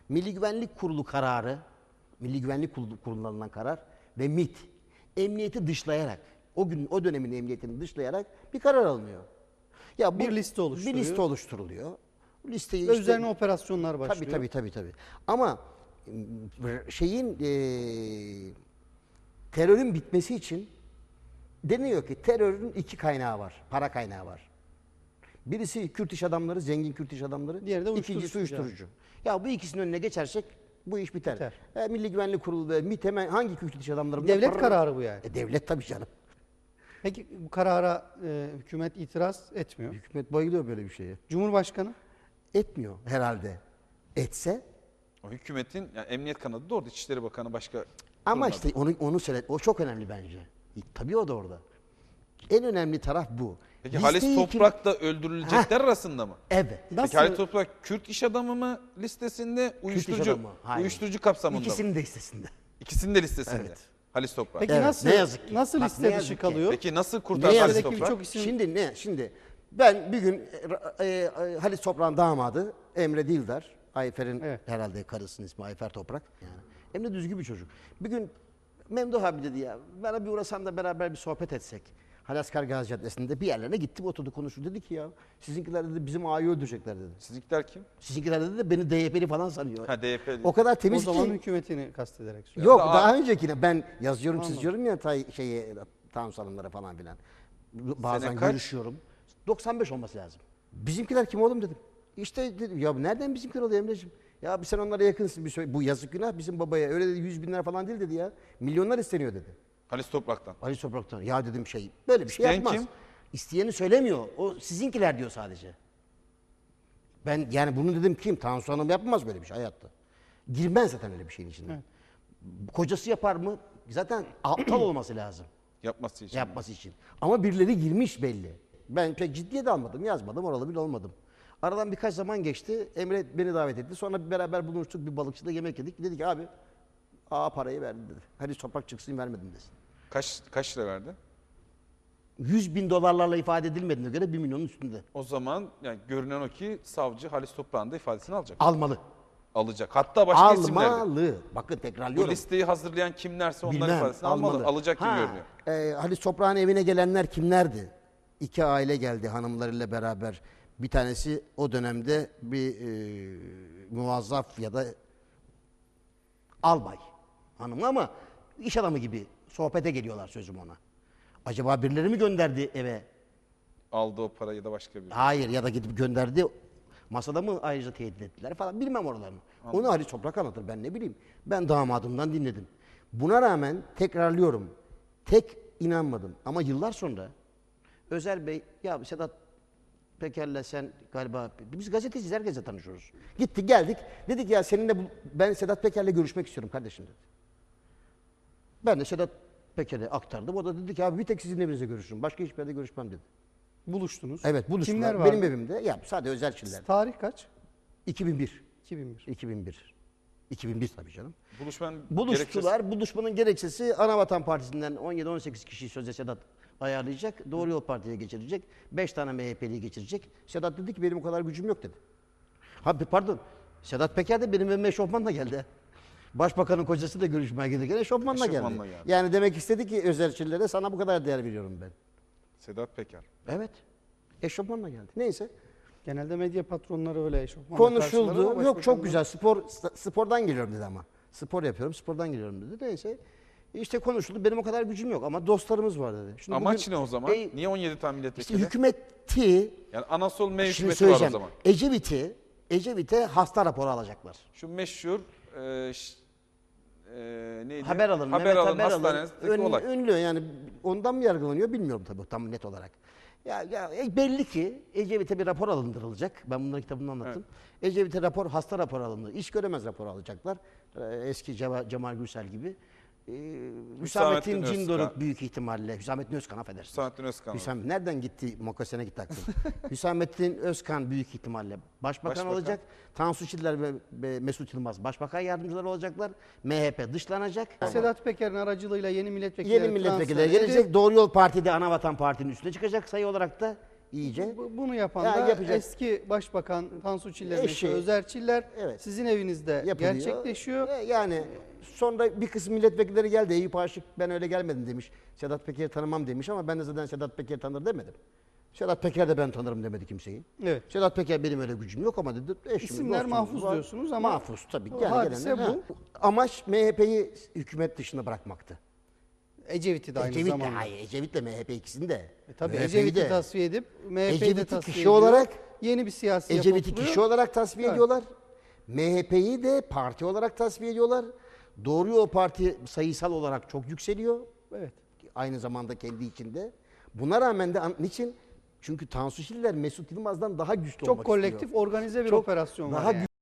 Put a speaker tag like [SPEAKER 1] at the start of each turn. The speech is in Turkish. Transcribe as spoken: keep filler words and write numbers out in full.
[SPEAKER 1] Milli Güvenlik Kurulu kararı, Milli Güvenlik Kurulu, Kurulu'ndan alınan karar ve MİT emniyeti dışlayarak, o gün o dönemin emniyetini dışlayarak bir karar alınıyor. Ya bu,
[SPEAKER 2] Bir liste oluşturuyor.
[SPEAKER 1] Bir liste oluşturuluyor. Bu listeyi
[SPEAKER 2] Ve
[SPEAKER 1] işte,
[SPEAKER 2] üzerine operasyonlar başlıyor.
[SPEAKER 1] Tabii tabii tabii tabii. Ama şeyin e, terörün bitmesi için deniyor ki terörün iki kaynağı var. Para kaynağı var. Birisi Kürt iş adamları, zengin Kürt iş adamları.
[SPEAKER 2] Diğeri de uyuşturucu.
[SPEAKER 1] İkincisi uyuşturucu. Ya bu ikisinin önüne geçersek bu iş biter.
[SPEAKER 2] Biter.
[SPEAKER 1] E, Milli Güvenlik Kurulu ve MİT hemen hangi Kürt iş adamları? bunlar?
[SPEAKER 2] Devlet
[SPEAKER 1] Parır-
[SPEAKER 2] kararı bu yani.
[SPEAKER 1] E, devlet tabii canım.
[SPEAKER 2] Peki bu karara e, hükümet itiraz etmiyor.
[SPEAKER 1] Hükümet bayılıyor böyle bir şeye.
[SPEAKER 2] Cumhurbaşkanı
[SPEAKER 1] Etmiyor herhalde. Etse
[SPEAKER 3] O hükümetin, yani emniyet kanadı da orada, İçişleri Bakanı başka.
[SPEAKER 1] ama
[SPEAKER 3] durmadı.
[SPEAKER 1] işte onu onu söyle. O çok önemli bence. E, tabii o da orada. En önemli taraf bu.
[SPEAKER 3] Peki
[SPEAKER 1] Listeyi
[SPEAKER 3] Halis
[SPEAKER 1] kim-
[SPEAKER 3] Toprak da öldürülecekler arasında mı?
[SPEAKER 1] Evet.
[SPEAKER 2] nasıl
[SPEAKER 3] Peki Halis Toprak Kürt iş adamı mı listesinde,
[SPEAKER 1] Kürt iş
[SPEAKER 3] uyuşturucu
[SPEAKER 1] adamı. Hayır.
[SPEAKER 3] uyuşturucu kapsamında mı?
[SPEAKER 1] İkisinin de listesinde.
[SPEAKER 3] İkisinin de listesinde.
[SPEAKER 1] Evet.
[SPEAKER 3] Halis Toprak.
[SPEAKER 2] Peki
[SPEAKER 1] Evet,
[SPEAKER 2] nasıl
[SPEAKER 1] ne yazık ki.
[SPEAKER 2] nasıl
[SPEAKER 1] Bak,
[SPEAKER 2] liste
[SPEAKER 1] ne yazık
[SPEAKER 2] dışı
[SPEAKER 1] ki.
[SPEAKER 2] kalıyor?
[SPEAKER 3] Peki nasıl
[SPEAKER 1] Ne
[SPEAKER 3] kurtardı Halis
[SPEAKER 1] yazık ki
[SPEAKER 3] Toprak?
[SPEAKER 2] birçok isim-
[SPEAKER 1] Şimdi ne? Şimdi ben bir gün e, e, Halis Toprak'ın damadı Emre Dildar, Ayfer'in
[SPEAKER 2] Evet.
[SPEAKER 1] herhalde karısının ismi Ayfer Toprak. Yani Emre düzgün bir çocuk. Bir gün Memduh abi dedi ya, bana bir uğrasan da beraber bir sohbet etsek. Halaskar Gazi Caddesi'nde bir yerlerine gitti, oturdu konuştu. Dedi ki ya sizinkiler dedi bizim ağayı öldürecekler dedi.
[SPEAKER 3] Sizinkiler kim?
[SPEAKER 1] Sizinkiler dedi de beni D Y P'li falan sanıyor.
[SPEAKER 3] Ha D Y P.
[SPEAKER 1] O kadar
[SPEAKER 2] O
[SPEAKER 1] temiz
[SPEAKER 2] zaman
[SPEAKER 1] ki.
[SPEAKER 2] hükümetini kastederek söylüyor.
[SPEAKER 1] Yok
[SPEAKER 3] Daha-
[SPEAKER 1] daha öncekine ben yazıyorum
[SPEAKER 2] Anladım.
[SPEAKER 1] çiziyorum ya tay, şeye Tansu Hanımlara falan filan. Bazen
[SPEAKER 3] Sene kaç?
[SPEAKER 1] görüşüyorum. doksan beş olması lazım. Bizimkiler kim oğlum dedim. İşte dedim ya nereden bizimkiler oluyor Emre'ciğim? Ya bir sen onlara yakınsın bir söyle. Bu yazık günah bizim babaya. Öyle dedi yüz bin lira falan değil dedi ya. Milyonlar isteniyor dedi.
[SPEAKER 3] Halis Toprak'tan.
[SPEAKER 1] Ali Toprak'tan. Ya dedim şey böyle bir şey
[SPEAKER 3] İsteyen
[SPEAKER 1] yapmaz.
[SPEAKER 3] kim?
[SPEAKER 1] İsteyeni söylemiyor. O sizinkiler diyor sadece. Ben yani bunu dedim kim? Tansu Hanım yapmaz böyle bir şey hayatta. Girmez zaten öyle bir şeyin içine.
[SPEAKER 2] Evet.
[SPEAKER 1] Kocası yapar mı? Zaten aptal olması lazım
[SPEAKER 3] Yapması için.
[SPEAKER 1] yapması için. Ama birileri girmiş belli. Ben pek ciddiye de almadım, yazmadım, oralı bile olmadım. Aradan birkaç zaman geçti. Emre beni davet etti. Sonra beraber buluştuk, bir balıkçıda yemek yedik. Dedi ki abi, aa parayı verdi dedi. Hadi toprak çıksın vermedim desin.
[SPEAKER 3] Kaç kaç lira verdi?
[SPEAKER 1] yüz bin dolarlarla ifade edilmediğine göre bir milyonun üstünde.
[SPEAKER 3] O zaman yani görünen o ki savcı Halis Toprak'ın da ifadesini alacak.
[SPEAKER 1] Almalı.
[SPEAKER 3] Alacak. Hatta başka isimler de.
[SPEAKER 1] Almalı. Bakın
[SPEAKER 3] Bu
[SPEAKER 1] tekrarlıyorum.
[SPEAKER 3] listeyi hazırlayan kimlerse onların
[SPEAKER 1] Bilmem,
[SPEAKER 3] ifadesini almalı.
[SPEAKER 1] almalı.
[SPEAKER 3] Alacak gibi
[SPEAKER 1] Ha,
[SPEAKER 3] görünüyor.
[SPEAKER 1] E, Halis Toprak'ın evine gelenler kimlerdi? İki aile geldi hanımlarıyla beraber. Bir tanesi o dönemde bir e, muvazzaf ya da albay hanımı ama iş adamı gibi sohbete geliyorlar sözüm ona. Acaba birileri mi gönderdi eve?
[SPEAKER 3] Aldı o parayı da başka bir.
[SPEAKER 1] Hayır ya da gidip gönderdi. Masada mı ayrıca tehdit ettiler falan bilmem oralarını. Onu Halis Toprak anlatır ben ne bileyim. Ben damadımdan dinledim. Buna rağmen tekrarlıyorum. Tek inanmadım ama yıllar sonra Özer Bey ya Sedat Peker'le sen galiba biz gazeteciyiz herkese tanışıyoruz. Gittik geldik dedik ya seninle bu, ben Sedat Peker'le görüşmek istiyorum kardeşim dedi. Ben de Sedat Peker'e aktardım. O da dedi ki abi bir tek sizin evinizde görüşürüm. Başka hiçbir yerde görüşmem dedi.
[SPEAKER 2] Buluştunuz.
[SPEAKER 1] Evet buluştular.
[SPEAKER 2] Kimler vardı?
[SPEAKER 1] Benim evimde. Ya sadece özel kişiler.
[SPEAKER 2] Tarih kaç?
[SPEAKER 1] iki bin bir.
[SPEAKER 2] iki bin bir.
[SPEAKER 1] iki bin bir. iki bin bir tabii canım.
[SPEAKER 3] Buluşmanın
[SPEAKER 1] Buluştular. Buluşmanın gerekçesi Anavatan Partisi'nden on yedi on sekiz kişiyi sözde Sedat ayarlayacak. Doğru Yol Parti'ye geçirecek. beş tane M H P'liyi geçirecek. Sedat dedi ki benim o kadar gücüm yok dedi. Ha pardon. Sedat Peker de benim evime eşofmanla geldi. Başbakanın kocası da görüşmeye gelirken eşofmanla geldi.
[SPEAKER 3] Eşofmanla geldi.
[SPEAKER 1] Yani demek istedi ki özelçilere sana bu kadar değer veriyorum ben.
[SPEAKER 3] Sedat Peker.
[SPEAKER 1] Evet. Eşofmanla geldi. Neyse.
[SPEAKER 2] Genelde medya patronları öyle eşofmanla
[SPEAKER 1] Konuşuldu.
[SPEAKER 2] karşılar ama
[SPEAKER 1] Yok çok
[SPEAKER 2] başbakanlar-
[SPEAKER 1] güzel. Spor spordan geliyorum dedi ama. Spor yapıyorum, spordan geliyorum dedi. Neyse. İşte konuşuldu. Benim o kadar gücüm yok ama dostlarımız var dedi. Şimdi
[SPEAKER 3] Amaç
[SPEAKER 1] bugün-
[SPEAKER 3] ne o zaman?
[SPEAKER 1] E,
[SPEAKER 3] Niye on yedi tane
[SPEAKER 1] işte
[SPEAKER 3] milletvekili?
[SPEAKER 1] hükümeti,
[SPEAKER 3] Yani Anasol M
[SPEAKER 1] şimdi
[SPEAKER 3] hükümeti var o
[SPEAKER 1] söyleyeceğim.
[SPEAKER 3] zaman.
[SPEAKER 1] Ecevit'i, Ecevit'e hasta raporu alacaklar.
[SPEAKER 3] Şu meşhur e, ş- e, neydi?
[SPEAKER 1] Haber alın.
[SPEAKER 3] Haber
[SPEAKER 1] Mehmet
[SPEAKER 3] alın
[SPEAKER 1] Haber alın.
[SPEAKER 3] hastanesindeki
[SPEAKER 1] Ön-
[SPEAKER 3] olay.
[SPEAKER 1] Ünlü yani ondan mı yargılanıyor bilmiyorum tabii tam net olarak. Ya, ya e, belli ki Ecevit'e bir rapor alındırılacak. Ben bunların kitabını anlattım. Ecevit'e rapor, hasta raporu alındı. İş göremez raporu alacaklar. Ee, eski Cema- Cemal Gürsel gibi. Ee, Hüsamettin
[SPEAKER 3] Hüsamettin
[SPEAKER 1] Cindoruk
[SPEAKER 3] Özkan.
[SPEAKER 1] büyük ihtimalle. Hüsamettin Özkan affedersiniz.
[SPEAKER 3] Hüsamettin Özkan.
[SPEAKER 1] Hüsam, nereden gitti? Mokasene gitti aklım. Hüsamettin Özkan büyük ihtimalle başbakan,
[SPEAKER 3] Başbakan.
[SPEAKER 1] olacak. Tansu Çiller ve, ve Mesut Yılmaz başbakan yardımcıları olacaklar. M H P dışlanacak.
[SPEAKER 2] Sedat Peker'in aracılığıyla yeni milletvekilleri
[SPEAKER 1] Yeni milletvekilleri
[SPEAKER 2] transfer edip
[SPEAKER 1] gelecek. Doğru Yol Parti'de Anavatan Parti'nin üstüne çıkacak sayı olarak da. iyice.
[SPEAKER 2] Bu- Bunu yapan
[SPEAKER 1] Ya
[SPEAKER 2] da
[SPEAKER 1] yapacak.
[SPEAKER 2] eski Başbakan Tansu Çiller'in
[SPEAKER 1] Eşi.
[SPEAKER 2] eşi Özer Çiller
[SPEAKER 1] Evet.
[SPEAKER 2] sizin evinizde
[SPEAKER 1] Yapılıyor.
[SPEAKER 2] gerçekleşiyor.
[SPEAKER 1] E, Yani sonra bir kısım milletvekilleri geldi. Eyüp Aşık ben öyle gelmedim demiş. Sedat Peker'i tanımam demiş ama ben de zaten Sedat Peker tanır demedim. Sedat Peker de ben tanırım demedi kimseyi.
[SPEAKER 2] Evet.
[SPEAKER 1] Sedat Peker benim öyle gücüm yok ama dedi. Eşimiz,
[SPEAKER 2] İsimler
[SPEAKER 1] dostumuz
[SPEAKER 2] mahfuz
[SPEAKER 1] var.
[SPEAKER 2] diyorsunuz ama
[SPEAKER 1] mahfuz tabii.
[SPEAKER 2] o
[SPEAKER 1] Yani
[SPEAKER 2] hadise
[SPEAKER 1] gelenler,
[SPEAKER 2] bu.
[SPEAKER 1] ha. Amaç M H P'yi hükümet dışında bırakmaktı.
[SPEAKER 2] Ecevit'i de aynı
[SPEAKER 1] Ecevit'le,
[SPEAKER 2] zamanda.
[SPEAKER 1] hayır Ecevit'le M H P ikisini de.
[SPEAKER 2] E tabii
[SPEAKER 1] M H P'yi
[SPEAKER 2] Ecevit'i
[SPEAKER 1] de.
[SPEAKER 2] tasfiye edip M H P'yi de
[SPEAKER 1] Ecevit'i
[SPEAKER 2] tasfiye
[SPEAKER 1] kişi
[SPEAKER 2] ediyor.
[SPEAKER 1] olarak-
[SPEAKER 2] Yeni bir siyasi yapı
[SPEAKER 1] Ecevit'i
[SPEAKER 2] oturuyor.
[SPEAKER 1] kişi olarak tasfiye
[SPEAKER 2] Evet.
[SPEAKER 1] ediyorlar. M H P'yi de parti olarak tasfiye ediyorlar. Doğru o parti sayısal olarak çok yükseliyor.
[SPEAKER 2] Evet.
[SPEAKER 1] Aynı zamanda kendi içinde. Buna rağmen de an- niçin? Çünkü Tansu Çiller Mesut Yılmaz'dan daha güçlü
[SPEAKER 2] Çok
[SPEAKER 1] olmak
[SPEAKER 2] kolektif,
[SPEAKER 1] istiyor.
[SPEAKER 2] organize bir
[SPEAKER 1] Çok
[SPEAKER 2] operasyon var
[SPEAKER 1] daha
[SPEAKER 2] yani.